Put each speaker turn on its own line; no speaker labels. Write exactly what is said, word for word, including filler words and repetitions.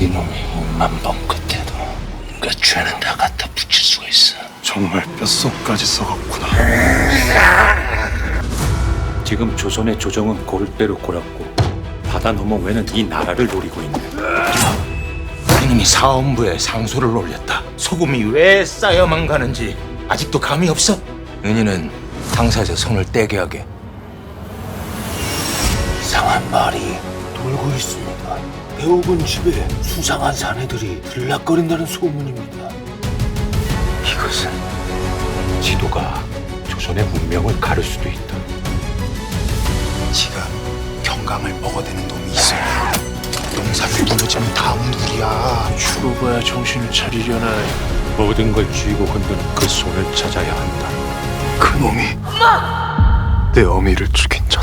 이놈이 몸만 뻥끗해도 그 죄는 다 갖다 붙일 수가 있어.
정말 뼛속까지 썩었구나.
지금 조선의 조정은 골대로 골았고 바다 너머 외는 이 나라를 노리고 있네.
이놈이 사원부에 상소를 올렸다. 소금이 왜 쌓여만 가는지 아직도 감이 없어? 은희는 상사에서 손을 떼게 하게. 이상한 말이 돌고 있습니다. 배옥은 집에 수상한 사내들이 들락거린다는 소문입니다.
이것은 지도가 조선의 문명을 가를 수도 있다.
지금 경강을 먹어대는 놈이 있어요. 농사를 무너지면 다음은 우리야.
죽어봐야 정신을 차리려나.
모든 걸 쥐고 흔드는 그 손을 찾아야 한다.
그 놈이 내 어미를 죽인 자.